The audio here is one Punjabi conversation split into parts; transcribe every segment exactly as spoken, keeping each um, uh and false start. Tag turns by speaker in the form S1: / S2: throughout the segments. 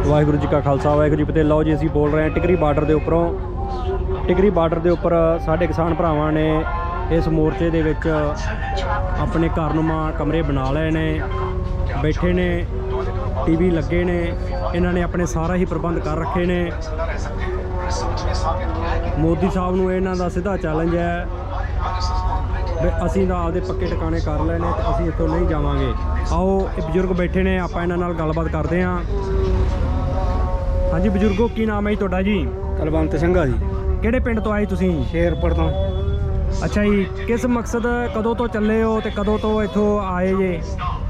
S1: ਵਾਹਿਗੁਰੂ ਜੀ ਕਾ ਖਾਲਸਾ ਵਾਹਿਗੁਰੂ ਜੀ ਫਤਿਹ। ਲਓ ਜੀ, ਅਸੀਂ ਬੋਲ ਰਹੇ ਹਾਂ ਟਿਕਰੀ ਬਾਰਡਰ ਦੇ ਉੱਪਰੋਂ। ਟਿਕਰੀ ਬਾਰਡਰ ਦੇ ਉੱਪਰ ਸਾਡੇ ਕਿਸਾਨ ਭਰਾਵਾਂ ਨੇ ਇਸ ਮੋਰਚੇ ਦੇ ਵਿੱਚ ਆਪਣੇ ਘਰਨੁਮਾ ਕਮਰੇ ਬਣਾ ਲਏ ਨੇ, ਬੈਠੇ ਨੇ, ਟੀਵੀ ਲੱਗੇ ਨੇ, ਇਹਨਾਂ ਨੇ ਆਪਣੇ ਸਾਰਾ ਹੀ ਪ੍ਰਬੰਧ ਕਰ ਰੱਖੇ ਨੇ। ਮੋਦੀ ਸਾਹਿਬ ਨੂੰ ਇਹਨਾਂ ਦਾ ਸਿੱਧਾ ਚੈਲੰਜ ਹੈ ਵੀ ਅਸੀਂ ਤਾਂ ਆਪਦੇ ਪੱਕੇ ਟਿਕਾਣੇ ਕਰ ਲਏ ਨੇ ਤੇ ਅਸੀਂ ਇੱਥੋਂ ਨਹੀਂ ਜਾਵਾਂਗੇ। ਆਓ, ਇਹ ਬਜ਼ੁਰਗ ਬੈਠੇ ਨੇ, ਆਪਾਂ ਇਹਨਾਂ ਨਾਲ ਗੱਲਬਾਤ ਕਰਦੇ ਹਾਂ। ਹਾਂਜੀ ਬਜ਼ੁਰਗੋ, ਕੀ ਨਾਮ ਹੈ ਜੀ ਤੁਹਾਡਾ? ਜੀ
S2: ਕੁਲਵੰਤ ਸਿੰਘ ਆ ਜੀ।
S1: ਕਿਹੜੇ ਪਿੰਡ ਤੋਂ ਆਏ ਤੁਸੀਂ?
S2: ਸ਼ੇਰਪੁਰ ਤੋਂ।
S1: ਅੱਛਾ ਜੀ, ਕਿਸ ਮਕਸਦ, ਕਦੋਂ ਤੋਂ ਚੱਲੇ ਹੋ ਤੇ ਕਦੋਂ ਤੋਂ ਇੱਥੋਂ ਆਏ ਜੇ?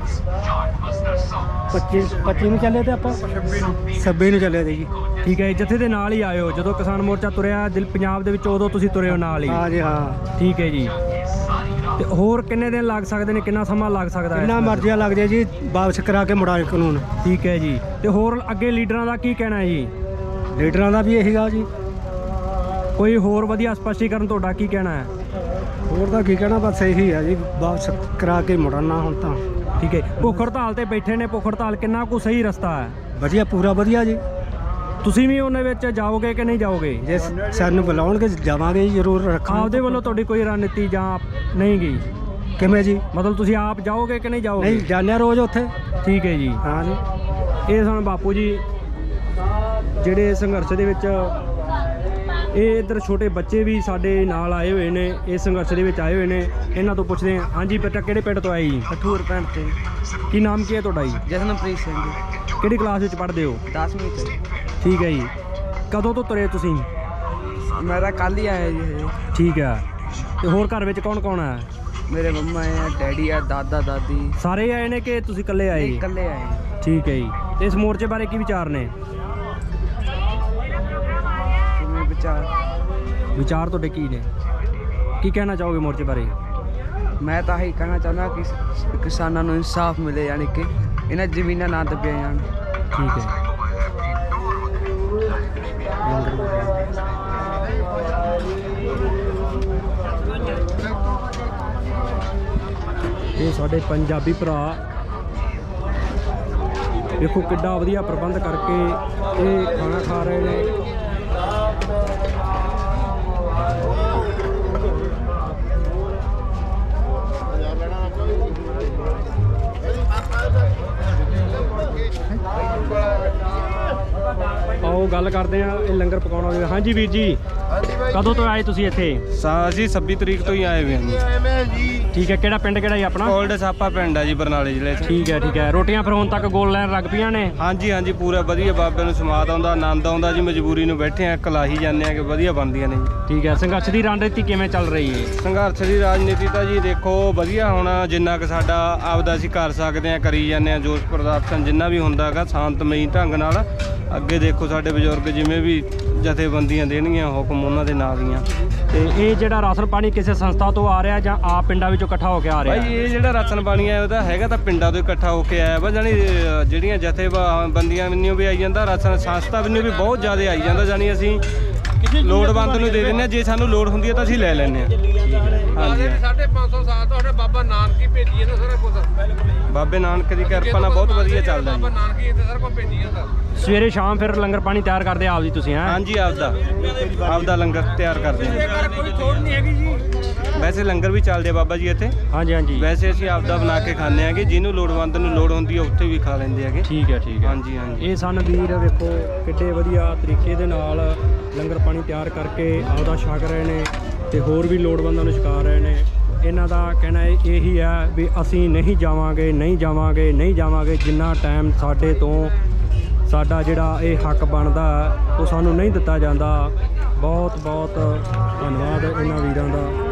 S2: ਪੱਚੀ ਪੱਚੀ ਨੂੰ ਚੱਲੇ ਤੇ ਆਪਾਂ ਛੱਬੀ ਨੂੰ ਚੱਲੇ ਤੇ ਜੀ।
S1: ਠੀਕ ਹੈ ਜੀ, ਜਥੇ ਦੇ ਨਾਲ ਹੀ ਆਏ ਹੋ? ਜਦੋਂ ਕਿਸਾਨ ਮੋਰਚਾ ਤੁਰਿਆ ਦਿਲ ਪੰਜਾਬ ਦੇ ਵਿੱਚ ਉਦੋਂ ਤੁਸੀਂ ਤੁਰੇ ਹੋ ਨਾਲ ਹੀ?
S2: ਹਾਂ ਜੀ ਹਾਂ।
S1: ਠੀਕ ਹੈ ਜੀ, ਤੇ ਹੋਰ ਕਿੰਨੇ ਦਿਨ ਲੱਗ ਸਕਦੇ ਨੇ, ਕਿੰਨਾ ਸਮਾਂ ਲੱਗ ਸਕਦਾ ਹੈ?
S2: ਕਿੰਨਾ ਮਰਜ਼ੀ ਲੱਗ ਜਾਏ ਜੀ, ਵਾਪਸ ਕਰਾ ਕੇ ਮੁੜਾ ਕਾਨੂੰਨ।
S1: ਠੀਕ ਹੈ ਜੀ, ਤੇ ਹੋਰ ਅੱਗੇ ਲੀਡਰਾਂ ਦਾ ਕੀ ਕਹਿਣਾ ਹੈ ਜੀ?
S2: ਲੀਡਰਾਂ ਦਾ ਵੀ ਇਹੀ ਗਾ ਜੀ।
S1: ਕੋਈ ਹੋਰ ਵਧੀਆ ਸਪਸ਼ਟੀਕਰਨ ਤੁਹਾਡਾ ਕੀ ਕਹਿਣਾ ਹੈ?
S2: ਹੋਰ ਦਾ ਕੀ ਕਹਿਣਾ, ਬਸ ਇਹੀ ਹੈ ਜੀ, ਵਾਪਸ ਕਰਾ ਕੇ ਮੁੜਨਾ ਹੁਣ ਤਾਂ।
S1: ਠੀਕ ਹੈ, ਭੁੱਖ ਹੜਤਾਲ ਤੇ ਬੈਠੇ ਨੇ, ਭੁੱਖ ਹੜਤਾਲ ਕਿੰਨਾ ਕੁ ਸਹੀ ਰਸਤਾ ਹੈ?
S2: ਵਧੀਆ, ਪੂਰਾ ਵਧੀਆ ਜੀ।
S1: ਤੁਸੀਂ ਵੀ ਉਹਨਾਂ ਵਿੱਚ ਜਾਓਗੇ ਕਿ ਨਹੀਂ ਜਾਓਗੇ?
S2: ਜੇ ਸਾਨੂੰ ਬੁਲਾਉਣਗੇ ਜਾਵਾਂਗੇ ਜੀ, ਜ਼ਰੂਰ ਰੱਖਾਂਗੇ।
S1: ਆਪਦੇ ਵੱਲੋਂ ਤੁਹਾਡੀ ਕੋਈ ਰਣਨੀਤੀ ਜਾਂ ਨਹੀਂ ਗਈ?
S2: ਕਿਵੇਂ ਜੀ?
S1: ਮਤਲਬ ਤੁਸੀਂ ਆਪ ਜਾਓਗੇ ਕਿ ਨਹੀਂ ਜਾਓਗੇ?
S2: ਨਹੀਂ, ਜਾਂਦੇ ਰੋਜ਼ ਉੱਥੇ।
S1: ਠੀਕ ਹੈ ਜੀ।
S2: ਹਾਂ ਜੀ।
S1: ਇਹ ਸਨ ਬਾਪੂ ਜੀ ਜਿਹੜੇ ਸੰਘਰਸ਼ ਦੇ ਵਿੱਚ, ਇਹ ਇੱਧਰ ਛੋਟੇ ਬੱਚੇ ਵੀ ਸਾਡੇ ਨਾਲ ਆਏ ਹੋਏ ਨੇ, ਇਸ ਸੰਘਰਸ਼ ਦੇ ਵਿੱਚ ਆਏ ਹੋਏ ਨੇ। ਇਹਨਾਂ ਤੋਂ ਪੁੱਛਦੇ ਹਾਂ। ਹਾਂਜੀ ਬੇਟਾ, ਕਿਹੜੇ ਪਿੰਡ ਤੋਂ ਆਏ ਜੀ?
S3: ਠੂਰ ਪਿੰਡ ਤੇ।
S1: ਕੀ ਨਾਮ ਕੀ ਹੈ ਤੁਹਾਡਾ ਜੀ?
S3: ਜਸਨਪ੍ਰੀਤ ਸਿੰਘ ਜੀ।
S1: ਕਿਹੜੀ ਕਲਾਸ ਵਿੱਚ ਪੜ੍ਹਦੇ ਹੋ?
S3: ਦਸਵੀਂ ਚ।
S1: ਠੀਕ ਹੈ ਜੀ, ਕਦੋਂ ਤੋਂ ਤੁਰੇ ਤੁਸੀਂ?
S3: ਮੈਂ ਤਾਂ ਕੱਲ੍ਹ ਹੀ ਆਇਆ ਜੀ ਹਜੇ।
S1: ਠੀਕ ਹੈ, ਤੇ ਹੋਰ ਘਰ ਵਿੱਚ ਕੌਣ ਕੌਣ ਹੈ?
S3: ਮੇਰੇ ਮੰਮਾ ਆ, ਡੈਡੀ ਆ, ਦਾਦਾ ਦਾਦੀ।
S1: ਸਾਰੇ ਆਏ ਨੇ ਕਿ ਤੁਸੀਂ ਇਕੱਲੇ ਆਏ?
S3: ਇਕੱਲੇ ਆਏ।
S1: ਠੀਕ ਹੈ ਜੀ, ਤੇ ਇਸ ਮੋਰਚੇ ਬਾਰੇ ਕੀ ਵਿਚਾਰ ਨੇ?
S3: ਕਿਵੇਂ ਵਿਚਾਰ?
S1: ਵਿਚਾਰ ਤੁਹਾਡੇ ਕੀ ਨੇ? ਕੀ ਕਹਿਣਾ ਚਾਹੋਗੇ ਮੋਰਚੇ ਬਾਰੇ?
S3: ਮੈਂ ਤਾਂ ਇਹੀ ਕਹਿਣਾ ਚਾਹੁੰਦਾ ਕਿ ਕਿਸਾਨਾਂ ਨੂੰ ਇਨਸਾਫ ਮਿਲੇ, ਯਾਨੀ ਕਿ ਇਹਨਾਂ ਜ਼ਮੀਨਾਂ ਨਾ ਦੱਬੀਆਂ ਜਾਣ।
S1: ਠੀਕ ਹੈ। ਇਹ ਸਾਡੇ ਪੰਜਾਬੀ ਭਰਾ ਦੇਖੋ ਕਿੱਡਾ ਵਧੀਆ ਪ੍ਰਬੰਧ ਕਰਕੇ ਇਹ ਖਾਣਾ ਖਾ ਰਹੇ ਨੇ। ਆਓ ਗੱਲ ਕਰਦੇ ਆ ਇਹ ਲੰਗਰ ਪਕਾਉਣ ਵਾਲੇ। ਹਾਂਜੀ ਵੀਰ ਜੀ, ਕਦੋਂ ਤੋਂ ਆਏ ਤੁਸੀਂ ਇੱਥੇ?
S4: ਅਸੀਂ ਛੱਬੀ ਤਰੀਕ ਤੋਂ ਹੀ ਆਏ ਹੋਏ ਹਾਂ ਜੀ।
S1: ਠੀਕ ਹੈ, ਕਿਹੜਾ ਪਿੰਡ ਕਿਹੜਾ ਜੀ ਆਪਣਾ?
S4: ਕੋਲਡ ਸਾਪਾ ਪਿੰਡ ਆ ਜੀ, ਬਰਨਾਲੇ ਜ਼ਿਲ੍ਹੇ 'ਚ।
S1: ਠੀਕ ਹੈ ਠੀਕ ਹੈ, ਰੋਟੀਆਂ ਫਿਰ ਹੁਣ ਤੱਕ ਗੋਲ ਲੈਣ ਲੱਗ ਪਈਆਂ ਨੇ?
S4: ਹਾਂਜੀ ਹਾਂਜੀ, ਪੂਰਾ ਵਧੀਆ, ਬਾਬੇ ਨੂੰ ਸਮਾਦ ਆਉਂਦਾ, ਆਨੰਦ ਆਉਂਦਾ ਜੀ। ਮਜਬੂਰੀ ਨੂੰ ਬੈਠੇ ਆ, ਕਲਾਹੀ ਜਾਂਦੇ ਆ ਕਿ ਵਧੀਆ ਬਣਦੀਆਂ ਨੇ ਜੀ।
S1: ਠੀਕ ਹੈ, ਸੰਘਰਸ਼ ਦੀ ਰਣਨੀਤੀ ਕਿਵੇਂ ਚੱਲ ਰਹੀ ਹੈ?
S4: ਸੰਘਰਸ਼ ਦੀ ਰਾਜਨੀਤੀ ਤਾਂ ਜੀ ਦੇਖੋ ਵਧੀਆ, ਹੁਣ ਜਿੰਨਾ ਕੁ ਸਾਡਾ ਆਪਦਾ ਅਸੀਂ ਕਰ ਸਕਦੇ ਆ ਕਰੀ ਜਾਂਦੇ ਆ। ਜੋਸ਼ ਪ੍ਰਦਰਸ਼ਨ ਜਿੰਨਾ ਵੀ ਹੁੰਦਾ ਹੈਗਾ ਸ਼ਾਂਤਮਈ ਢੰਗ ਨਾਲ। ਅੱਗੇ ਦੇਖੋ ਸਾਡੇ ਬਜ਼ੁਰਗ ਜਿਵੇਂ ਵੀ ਜਥੇਬੰਦੀਆਂ ਦੇਣਗੀਆਂ ਹੁਕਮ, ਉਹਨਾਂ ਦੇ ਨਾਲ ਦੀਆਂ।
S1: ਤੇ ਇਹ ਜਿਹੜਾ ਰਾਸ਼ਨ ਪਾਣੀ ਕਿਸੇ ਸੰਸਥਾ ਤੋਂ ਆ ਰਿਹਾ ਜਾਂ ਆਪ ਪਿੰਡਾਂ ਵਿੱਚੋਂ ਇਕੱਠਾ ਹੋ ਕੇ ਆ ਰਿਹਾ?
S4: ਭਾਈ ਇਹ ਜਿਹੜਾ ਰਾਸ਼ਨ ਪਾਣੀ ਹੈ ਉਹਦਾ ਹੈਗਾ ਤਾਂ ਪਿੰਡਾਂ ਤੋਂ ਇਕੱਠਾ ਹੋ ਕੇ ਆਇਆ ਵਾ। ਜਾਣੀ ਜਿਹੜੀਆਂ ਜਥੇਬੰਦੀਆਂ ਵੱਲੋਂ ਵੀ ਆਈ ਜਾਂਦਾ, ਰਾਸ਼ਨ ਸੰਸਥਾ ਵੱਲੋਂ ਵੀ ਬਹੁਤ ਜ਼ਿਆਦਾ ਆਈ ਜਾਂਦਾ। ਜਾਣੀ ਅਸੀਂ ਲੋੜਵੰਦ ਨੂੰ ਦੇ ਦਿੰਦੇ ਹਾਂ, ਜੇ ਸਾਨੂੰ ਲੋੜ ਹੁੰਦੀ ਹੈ ਤਾਂ ਅਸੀਂ ਲੈ ਲੈਂਦੇ ਹਾਂ। ਹਾਂਜੀ,
S5: ਸਾਢੇ ਪੰਜ ਸੌ ਸਾਲ ਤੁਹਾਡੇ ਬਾਬਾ ਨਾਨਕ ਹੀ ਭੇਜੀ ਜਾਂਦਾ ਸਾਰਾ ਕੁਝ।
S4: ਬਾਬੇ ਨਾਨਕ ਦੀ ਕਿਰਪਾ ਨਾਲ ਬਹੁਤ ਵਧੀਆ ਚੱਲਦਾ ਜੀ।
S5: ਬਾਬਾ ਨਾਨਕ ਹੀ ਇੱਥੇ ਸਾਰਾ ਕੁਝ ਭੇਜੀ ਜਾਂਦਾ।
S1: ਸਵੇਰੇ ਸ਼ਾਮ ਫਿਰ ਲੰਗਰ ਪਾਣੀ ਤਿਆਰ ਕਰਦੇ ਆਪ ਜੀ ਤੁਸੀਂ? ਹੈਂ
S4: ਹਾਂਜੀ, ਆਪਦਾ ਆਪਦਾ ਲੰਗਰ ਤਿਆਰ ਕਰਦੇ ਹਾਂ।
S5: ਕੋਈ ਥੋੜ ਨਹੀਂ ਹੈਗੀ ਜੀ।
S4: ਵੈਸੇ ਲੰਗਰ ਵੀ ਚੱਲਦੇ ਆ ਬਾਬਾ ਜੀ ਇੱਥੇ।
S1: ਹਾਂਜੀ ਹਾਂਜੀ,
S4: ਵੈਸੇ ਅਸੀਂ ਆਪਦਾ ਬਣਾ ਕੇ ਖਾਂਦੇ ਆਂਗੇ, ਜਿਹਨੂੰ ਲੋੜਵੰਦ ਨੂੰ ਲੋੜ ਹੁੰਦੀ ਹੈ ਉੱਥੇ ਵੀ ਖਾ ਲੈਂਦੇ ਹੈਗੇ।
S1: ਠੀਕ ਹੈ ਠੀਕ ਹੈ।
S4: ਹਾਂਜੀ ਹਾਂਜੀ,
S1: ਇਹ ਸਨ ਵੀਰ, ਵੇਖੋ ਕਿੱਡੇ ਵਧੀਆ ਤਰੀਕੇ ਦੇ ਨਾਲ ਲੰਗਰ ਪਾਣੀ ਤਿਆਰ ਕਰਕੇ ਆਪਦਾ ਛਕ ਰਹੇ ਨੇ ਤੇ ਹੋਰ ਵੀ ਲੋੜਵੰਦਾਂ ਨੂੰ ਛਕਾ ਰਹੇ ਨੇ। ਇਹਨਾਂ ਦਾ ਕਹਿਣਾ ਇਹੀ ਹੈ ਵੀ ਅਸੀਂ ਨਹੀਂ ਜਾਵਾਂਗੇ ਨਹੀਂ ਜਾਵਾਂਗੇ ਨਹੀਂ ਜਾਵਾਂਗੇ ਜਿੰਨਾ ਟਾਈਮ ਸਾਡੇ ਤੋਂ ਸਾਡਾ ਜਿਹੜਾ ਇਹ ਹੱਕ ਬਣਦਾ ਉਹ ਸਾਨੂੰ ਨਹੀਂ ਦਿੱਤਾ ਜਾਂਦਾ। ਬਹੁਤ ਬਹੁਤ ਧੰਨਵਾਦ ਇਹਨਾਂ ਵੀਰਾਂ ਦਾ।